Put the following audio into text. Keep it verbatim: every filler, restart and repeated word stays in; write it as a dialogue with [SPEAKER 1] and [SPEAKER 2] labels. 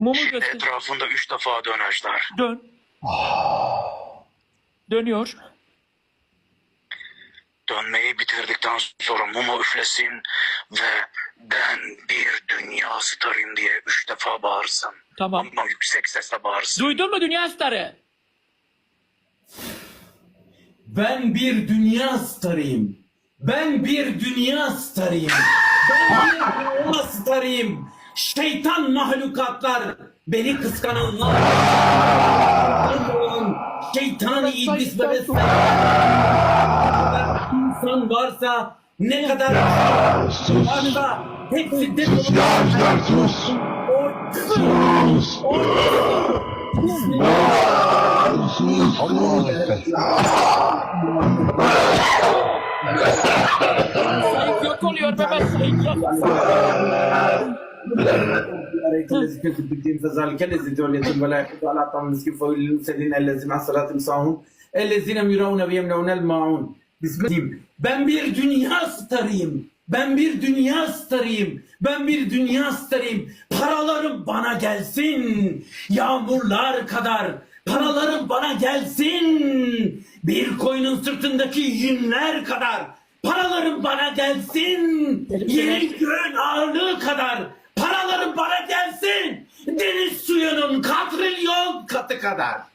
[SPEAKER 1] Mumu
[SPEAKER 2] Şimdi
[SPEAKER 1] göster.
[SPEAKER 2] etrafında üç defa dönecekler.
[SPEAKER 1] Dön. Dönüyor.
[SPEAKER 2] Dönmeyi bitirdikten sonra mumu üflesin ve ben bir dünya starıyım diye üç defa bağırsın.
[SPEAKER 1] Tamam.
[SPEAKER 2] Ama yüksek sesle bağırsın.
[SPEAKER 1] Duydun mu dünya starı?
[SPEAKER 3] Ben bir dünya starıyım. Ben bir dünya starıyım. Ben bir dünya starıyım. Şeytan mahlukatlar, beni kıskananlar, şeytan, iblis ve vesaire insan varsa, ne kadar varsa hepsi de
[SPEAKER 4] Gençler sus! Sus!
[SPEAKER 1] Sayık yok oluyor Mehmet, sayık yok.
[SPEAKER 3] الذي كنت بالدين فذلك الذي توليتم ولا يحض على طعام المسكين فويل للمسلمين الذين عن صلاتهم ساهون الذين يراون ويمنعون الماعون. Bismillah. Ben bir dünya starıyım. Ben bir dünya starıyım. Ben bir dünya starıyım. Paralarım bana gelsin. Yağmurlar kadar. Paralarım bana gelsin. Bir koyunun sırtındaki yünler kadar. Paralarım bana gelsin. Yerin göğün ağırlığı kadar. Paralarım bana gelsin. Deniz suyunun katrilyon katı kadar.